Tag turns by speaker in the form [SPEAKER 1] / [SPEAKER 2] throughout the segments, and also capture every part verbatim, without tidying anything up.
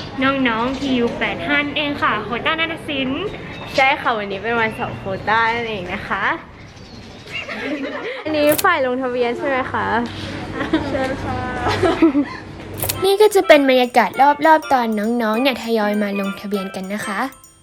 [SPEAKER 1] น้องๆทียูแปดห้าเองค่ะโควต้านาฏศิลป์ใช่ค่ะวันนี้เป็นวันสอบโควต้านั่นเองนะคะอันนี้ฝ่ายลงทะเบียนใช่ไหมคะเชิญค่ะนี่ก็จะเป็นบรรยากาศรอบๆตอนน้องๆเนี่ยทยอยมาลงทะเบียนกันนะคะ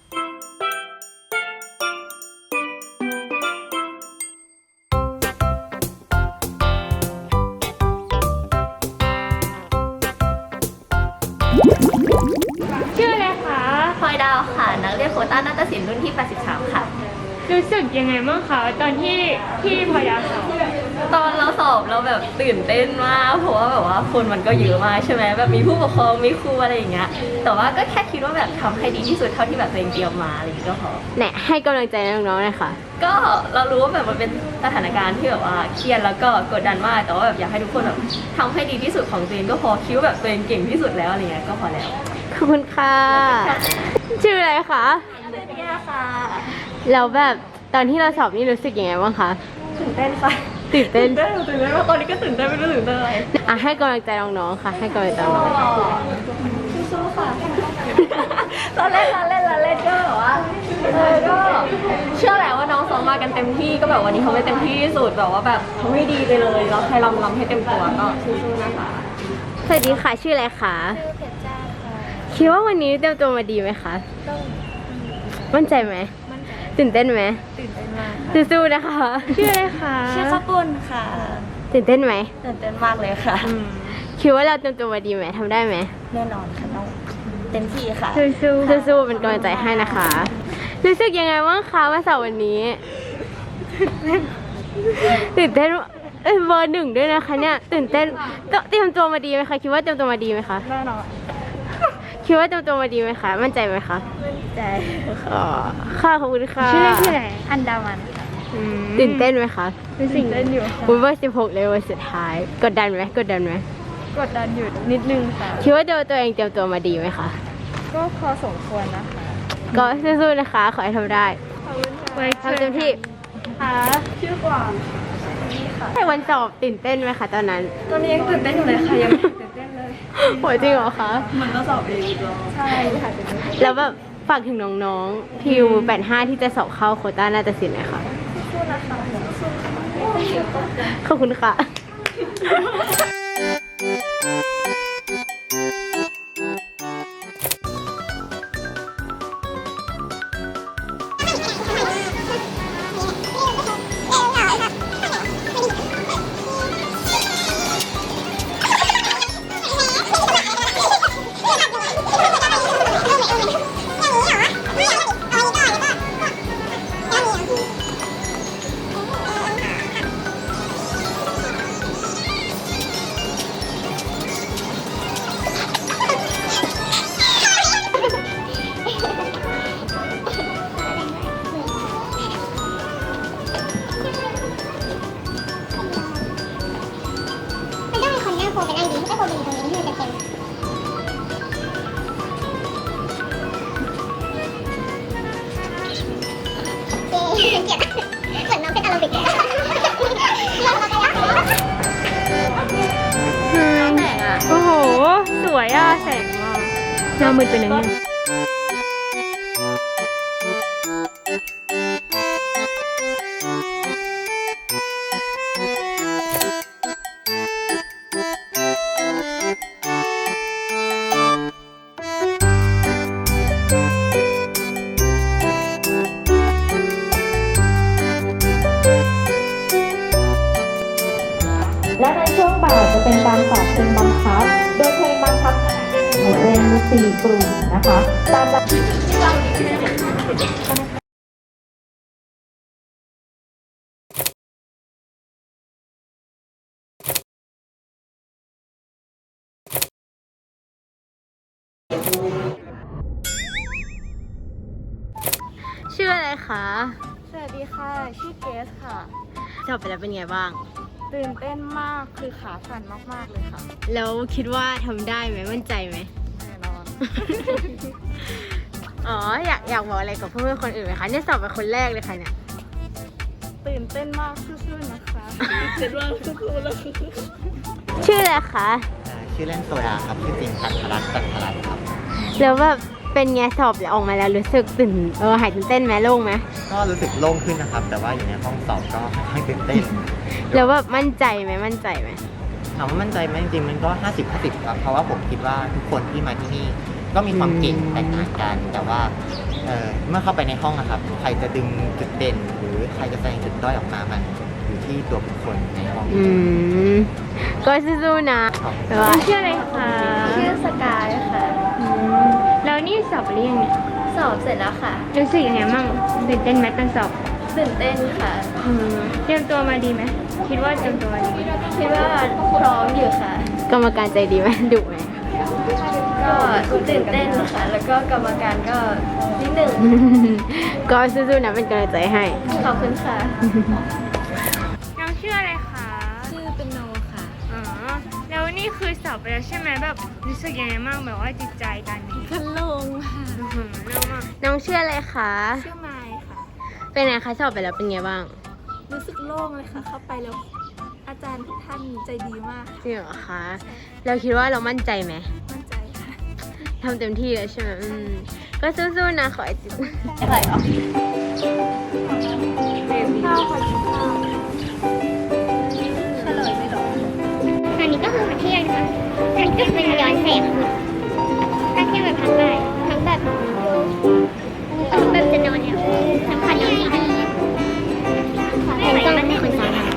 [SPEAKER 1] ชื่ออะไรคะ
[SPEAKER 2] พลอยดาวค่ะนักเรียนโควต้านาฏศิลป์รุ่นที่แปดสิบสามค่ะ
[SPEAKER 1] รู้สึกยังไงบ้างคะตอนที่ที่พยาสอบ
[SPEAKER 2] ตอนเราสอบเราแบบตื่นเต้นมากเพราะว่าแบบว่าคนมันก็เยอะมากใช่ไหมแบบมีผู้ปกครองมีครูอะไรอย่างเงี้ยแต่ว่าก็แค่คิดว่าแบบทำให้ดีที่สุดเท่าที่แบบตัวเองเตรียมมาอะไรอย่างเงี้ยก็พอ
[SPEAKER 1] เนี่ยให้กำลังใจน้องๆเลยค่ะ
[SPEAKER 2] ก็เรารู้ว่าแบบมันเป็นสถานการณ์ที่แบบว่าเครียดแล้วก็กดดันมากแต่ว่าแบบอยากให้ทุกคนแบบทำให้ดีที่สุดของตัวเองก็พอคิดว่าแบบตัวเองเก่งที่สุดแล้วอะไรเงี้ยก็พอแล้ว
[SPEAKER 1] ขอบคุณค่ะชื่ออะไรคะ
[SPEAKER 2] แก้ค่ะ
[SPEAKER 1] แล้วแบบตอนที่เราสอบนี่รู้สึกยังไงบ้างคะ
[SPEAKER 2] ตื่นเต้นค่ะ
[SPEAKER 1] ตื่นเต้น
[SPEAKER 2] ตื่นเต้นตื่นเต้นว่าตอนนี้ก็ตื่นเต้นไม่รู้ตื่นเต้นอะไร
[SPEAKER 1] อ่ะให้กำลังใจน้องๆค่ะให้กำลังใจน้อง
[SPEAKER 2] สู้ๆค่ะเราเล่นเราเล่นเราเล่นก็แบบว่าเออก็เชื่อแหละว่าน้องซ้อมมากันเต็มที่ก็แบบวันนี้เขาไม่เต็มที่ที่สุดแบบว่าแบบเขาไม่ดีไปเลยเราให้ลำลำให้เต็มตัวก็สู้ๆนะคะ
[SPEAKER 1] สวัสดีค่ะชื่ออะไรคะ
[SPEAKER 2] ชื่อเพชรจ้าค่ะ
[SPEAKER 1] คิดว่าวันนี้เตรียมตัวมาดีไหมคะมั่นใจไหมตื่นเต้นไหม
[SPEAKER 2] ตื่นเต้นมาก
[SPEAKER 1] สู้ๆนะคะชื่ออะไรคะ
[SPEAKER 2] ชื่อข้าวปุ้นค่ะ
[SPEAKER 1] ตื่นเต้นไหม
[SPEAKER 2] ตื่นเต้นมากเลยค่ะ
[SPEAKER 1] คิดว่าเราเตรียมตัวมาดีไหมทำได้ไหม
[SPEAKER 2] แน่นอนค่ะต้องเต็มที่ค่ะ
[SPEAKER 1] สู้ๆสู้ๆเป็นกำลังใจให้นะคะรู้สึกยังไงบ้างคะมาสอบวันนี้ตื่นเต้นเอ้ยเบอร์หนึ่งด้วยนะคะเนี่ยตื่นเต้นเตรียมตัวมาดีไหมคะคิดว่าเตรียมตัวมาดีไหมคะ
[SPEAKER 2] แน่นอน
[SPEAKER 1] คิดว่าเตรียมตัวมาดีไหมคะมั่นใจไหมคะ
[SPEAKER 2] มั่นใจ
[SPEAKER 1] อ๋อค่ะขอบคุณค่ะ
[SPEAKER 2] ชื่อเล่นชื่ออะไรอันดามัน
[SPEAKER 1] ตื่นเต้นไหมคะ
[SPEAKER 2] ตื่นเต้นอยู่
[SPEAKER 1] คุณว่าสิบหกเลยวันสุดท้ายกดดันไหมกดดันไหม
[SPEAKER 2] กดดันอยู่นิดนึงค่ะ
[SPEAKER 1] คิดว่าตัวตัวเองเตรียมตัวมาดีไหมคะ
[SPEAKER 2] ก็พอสมควรนะคะ
[SPEAKER 1] ก็สู้ๆนะคะขอให้ทำได้
[SPEAKER 2] ไว้
[SPEAKER 1] ทำเต็มที่
[SPEAKER 2] ค่ะชื่อกว่า
[SPEAKER 1] ให้วันสอบตื่นเต้นไหมคะตอนนั้น
[SPEAKER 2] ตอนนี้ยังตื่นเต้นอยู่เลยค่ะยังตื่นเต้นเลย
[SPEAKER 1] โหจริงเหรอคะ
[SPEAKER 2] มันก็สอบเองใช่ค่ะ
[SPEAKER 1] แล้วแบบฝากถึงน้องๆทีวแปดห้าที่จะสอบเข้าโควต้านาฏศิลป์หน่อยค่ะ
[SPEAKER 2] สู้นะคะ
[SPEAKER 1] ขอบคุณค่ะ
[SPEAKER 3] โฟเป็นไอดีไม่ใช่โฟบีตรงนี้ที่มันเต็มเอ๊ะเกลียดเหมือนน้องเป็นอาราบิกเลย
[SPEAKER 1] โอ้โหสวยอ่ะแสงอ่ะหน้ามืดไปหนึ่ง
[SPEAKER 4] และในช่วงบ่ายจะเป็นการสอบเพลงบังคับโดยเพลงบังคับเป็นสี่กลุ่มนะคะตาม
[SPEAKER 1] ชื่ออะไรคะ
[SPEAKER 2] สวัสดีค่ะชื่อเกสค่ะ
[SPEAKER 1] สอบไปแล้วเป็นไงบ้าง
[SPEAKER 2] ตื่นเต้นมากคือขาสั่นมากๆเลยค่ะ
[SPEAKER 1] แล้วคิดว่าทำได้ไหมมั่นใจไหม
[SPEAKER 2] แน่นอน
[SPEAKER 1] อ๋ออยากอยากบอกอะไรกับเพื่อนๆคนอื่นไหมคะเนี่ยสอบเป็นคนแรกเลยค่ะเนี่ย
[SPEAKER 2] ตื่นเต้นมากสู้ๆนะคะเจ็ดวันสู้ๆแล้ว
[SPEAKER 1] ชื่ออะไรคะ
[SPEAKER 5] ชื่อเล่นโซดาครับชื่อจริงพัทรรัตน์จันทรัตน์ครับ
[SPEAKER 1] แล้วแบบเป็นไงสอบออกมาแล้วรู้สึกตื่นเออหายตื่นเต้นไหมโล่งไหม
[SPEAKER 5] ก็รู้สึกโล่งขึ้นนะครับ แต่ว่าอยู่ในห้องสอบก็ค่อนข้างตื่นเต้น
[SPEAKER 1] แล้วแบบมั่นใจไหมมั่นใจไหม
[SPEAKER 5] ถามว่ามั่นใจไหมจริงๆมันก็ ห้าสิบ ห้าสิบ ครับ เพราะว่าผมคิดว่าทุกคนที่มาที่นี่ก็มีความเก่งแตกต่างกัน แต่ว่าเอ่อเมื่อเข้าไปในห้องนะครับ ใครจะดึงจุดเด่น หรือใครจะแสดงจุดด้อยออกมามันอยู่ที่ตัวบุคคลในห้อง
[SPEAKER 1] อืมก็สู้ๆนะแต่ว่าชื่ออะไรคะ
[SPEAKER 2] ชื่อสกายค่ะ
[SPEAKER 1] อืมแล้วนี่สอบหรือยังเนี่ย
[SPEAKER 2] สอบเสร็จแล้วค่ะ
[SPEAKER 1] รู้สึกยังไงบ้างตื่นเต้นไหมตอนสอบ
[SPEAKER 2] ตื่นเต้นค่ะ
[SPEAKER 1] อืมเตรียมตัวมาดีไหมคิดว่าเตรียมตัวมาดีไหม
[SPEAKER 2] คิดว่าพร้อมอยู่ค่ะ
[SPEAKER 1] กรรมการใจดีไหมดุไหม
[SPEAKER 2] ก็ตื่นเต้นค่ะ แล้วก็กรรมการก็นิดหนึ่ง
[SPEAKER 1] ก็สู้ๆนะเป็นกำลังใจให้
[SPEAKER 2] ขอบคุณค่ะ
[SPEAKER 1] น้องชื่ออะไรคะ
[SPEAKER 2] ชื่อเป็นโนค่ะ
[SPEAKER 1] อ๋อแล้วนี่คือสอบไปแล้วใช่ไหมแบบรู้สึกยังไงบ้างแบบว่าจิตใจกัน
[SPEAKER 2] คันลงค่ะ
[SPEAKER 1] อื้อหือเรื่องมากน้องชื่ออะไรคะ
[SPEAKER 2] ชื่อไมค์ค่ะ
[SPEAKER 1] เป็นไงคะสอบไปแล้วเป็นไงบ้าง
[SPEAKER 2] รู้สึกโล่งเลยค่ะ เข้าไปแล้วอาจารย์ทุกท่านใจดีมาก
[SPEAKER 1] จริงเหรอคะเราคิดว่าเรามั่นใจไหม
[SPEAKER 2] มั่นใจค่ะ
[SPEAKER 1] ทำเต็มที่แล้วใช่ไหมอืมก็สู้ๆนะขอให้จิต
[SPEAKER 2] อะไรเหรอ
[SPEAKER 1] ข้าวขอกินข้าว
[SPEAKER 2] เฉลยไม่หรอ
[SPEAKER 3] อันนี้ก็คือมาเที่ยวนะคะอันนี้ก็เป็นย้อนแสงถ้าเที่ยวแบบทั้งบ่ายทั้งแบบทั้งแบบจะนอนเนี่ยทั้งคันนอนดีๆเป็นกล้องไม่คนซ้อนอะ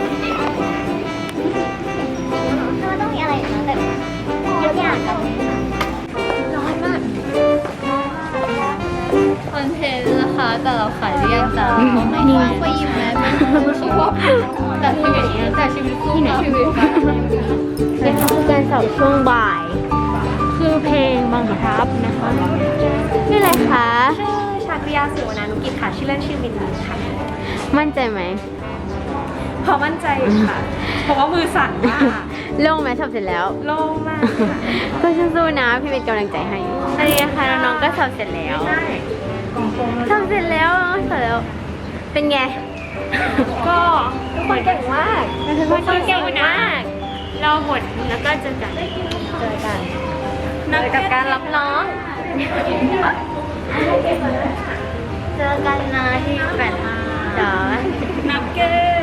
[SPEAKER 3] เพราะว่าต้องมีอะไรนะแบบยกอย่างกับ
[SPEAKER 2] ร้อนมากคอนเทนต์นะคะ แต่เราขายเรียงจ้าไม่มีไปยิมแม้ไม่ใช่ว่าแต่ชีวิตแต่ชีวิตสู้ชีวิตค่ะ
[SPEAKER 1] นี่คือการสอบช่วงบ่าย คือเพลงบังคับนะคะนี่อะไรคะ
[SPEAKER 2] ชื่อชาคริยาสิวนานุกิจค่ะ ชื่อเล่นชื่อมินนี่ค่ะ
[SPEAKER 1] มั่นใจไหม
[SPEAKER 2] พอมั่นใจค่ะ เพราะว่ามือสั่นมาก
[SPEAKER 1] โล่งไหมสอบเสร็จแล้ว
[SPEAKER 2] โล่งมากค่ะ
[SPEAKER 1] ก็สู้ๆนะพี่เป็นกำลังใจให้อันนี้นะคะน้องๆก็สอบเสร็จแล้วสอบเสร็จแล้วสอบเสร็จแล้ว เป็นไง
[SPEAKER 2] ก็ทุกคนเก่งมาก
[SPEAKER 1] ทุกคนเก่งมาก เราหมดแล้วก็เจอกัน
[SPEAKER 2] เจอกันเจอกับการรับน้อง
[SPEAKER 1] เจอกันนะที่แปดห้าจ้า
[SPEAKER 2] นักเก็ต